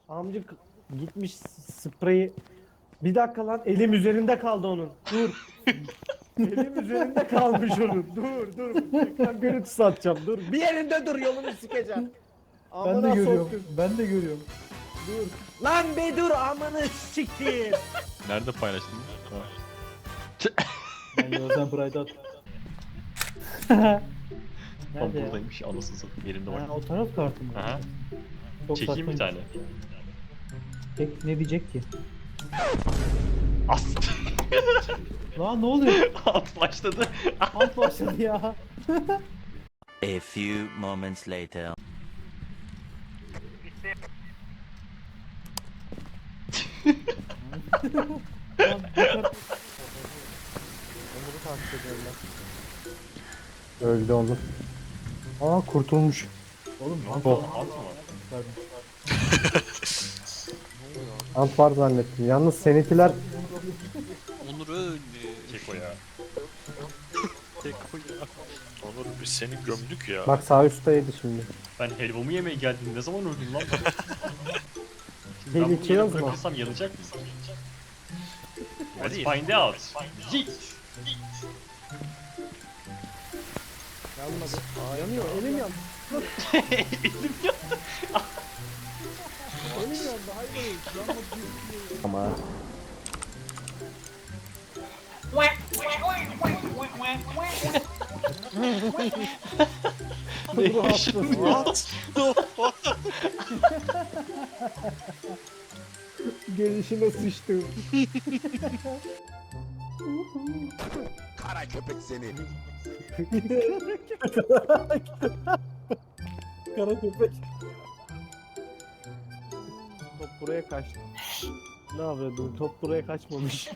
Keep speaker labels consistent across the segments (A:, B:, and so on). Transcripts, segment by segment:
A: Amcık gitmiş spreyi. Bir dakika lan, elim üzerinde kaldı onun. Dur. Elim üzerinde kalmış onun. Dur. Ekran görüntüsü atacağım. Dur. Bir yerinde dur, yolunu sikeceğim.
B: Ben de
A: Amına
B: görüyorum.
A: soktum.
B: Ben de görüyorum.
A: Dur. Lan be dur, amını siktir.
C: Nerede paylaştın?
B: Ben Yozan Pride'ı at.
C: Tam
A: Nerede ya?
C: buradaymış, anasını satayım yerinde
B: Ha,
C: bak.
B: o taraf kartı mı?
C: Aha.
B: Çok
C: Çekeyim bir
B: saçma.
C: tane.
B: Ne diyecek ki?
C: As.
B: Lan ne oluyor?
C: At başladı.
B: Alt başladı ya.
D: A few moments later.
B: Lan bu kart-
A: Onları takip ediyorlar.
E: Öldü oğlum. Aa kurtulmuş.
B: Oğlum
C: Ne
B: alt
C: oldu?
B: var.
C: Alt mı var?
E: Ant var zannettim. Yalnız seninkiler
F: Onur öldü.
C: Keko ya.
F: Keko ya. Onur biz seni gömdük ya.
E: bak sağ üstteydi şimdi.
C: Ben helvamı yemeye geldim. Ne zaman öldüm lan ben? Şimdi ben bunu
E: Tehlikeli o
C: yere
E: zaman.
C: bırakırsam yanacak mısın? Let's
F: Hadi.
C: find out. Yeet.
A: Yanmadı. Aa, yanıyor. Elim yandı.
C: Elim ya.
A: Elim yandı. Hayır. Yanmadı.
E: Ama
C: Ne yaşadın?
F: What the fuck?
A: Gelişine sıçtım.
G: Kara köpek seni.
A: Kara köpek. Top buraya kaçtı. Ne yapıyordun? Top buraya kaçmamış.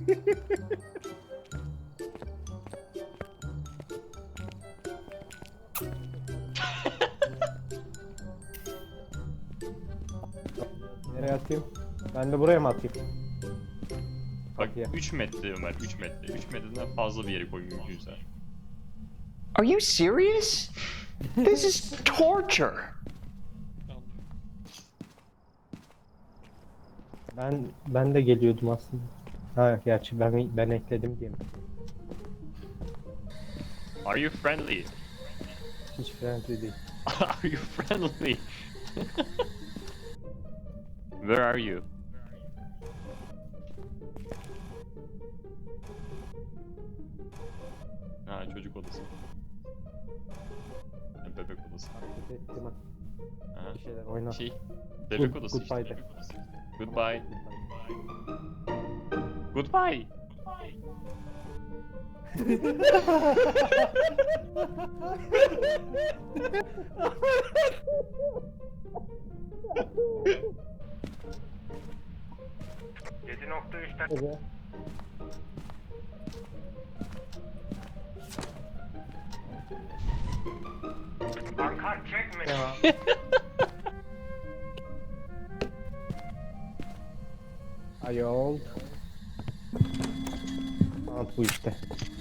E: nereye atayım? Ben de buraya mı atayım?
C: Bak 3 metre Ömer, 3 metre. 3 metreden fazla bir yere koy mümkünse.
H: Are you serious? This is torture.
E: Ben de geliyordum aslında. Ha gerçi ben ekledim diye mi?
C: Are you friendly?
E: Hiç friendly değil.
C: Are you friendly? Where are you? Ha, çocuk odası. Ha, bebek odası.
E: Hareket ettim ha.
C: Ha.
E: Bir şeyler oyna.
C: Şey, bebek
E: Good-
C: odası
E: goodbye
C: işte.
E: de.
C: Goodbye. Goodbye.
E: Evet. Ayol. Ant bu işte.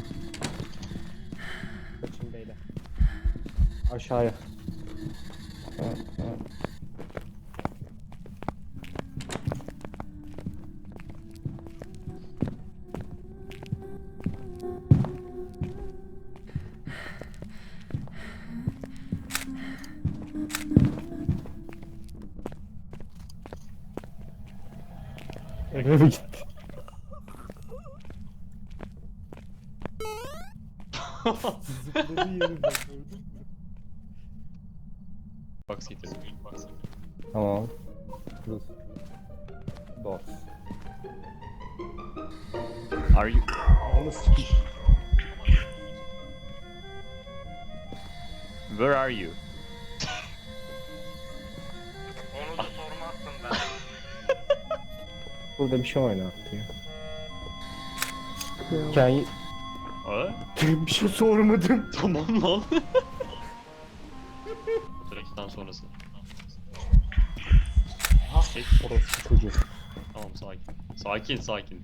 E: Kaçın beyler. Aşağıya. Eve mi gitti?
A: Zıpladı yerimden. Gördün mü?
C: Box getirdim. Box.
E: Tamam. Dur. Boss.
C: Are you...
E: Onu sikeyim.
C: Where are you?
E: Burada bir şey oynattı ya. Hikaye...
C: Aa?
A: Bir şey sormadım.
C: Tamam lan. Trafikten sonrası. Tek.
E: Orospu çocuğu.
C: Tamam sakin. Sakin sakin.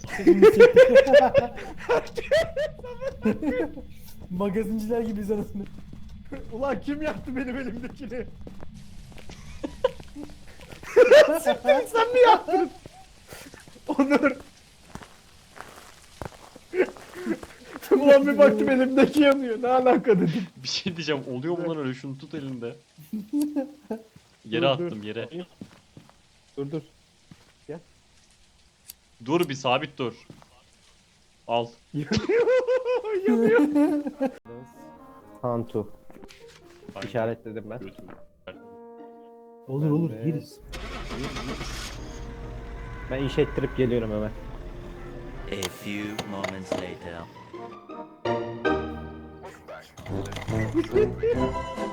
B: Magazinciler gibiyiz anasını.
A: Ulan kim yaptı benim elimdekini? Siktir, sen mi yaptın? Onur. Ulan bir baktım elimdeki yanıyor. Ne alaka dedim.
C: Bir şey diyeceğim. Oluyor mu lan öyle? Şunu tut elinde. Yere
A: Dur,
C: attım
A: dur.
C: yere.
A: Dur.
C: Dur bir sabit dur. Al.
A: Yanıyor.
E: Hantu.
C: Aynen.
E: İşaretledim ben.
C: Götür.
B: Olur olur
E: Evet.
B: yeriz.
E: Ben iş ettirip geliyorum hemen.
D: A few moments later.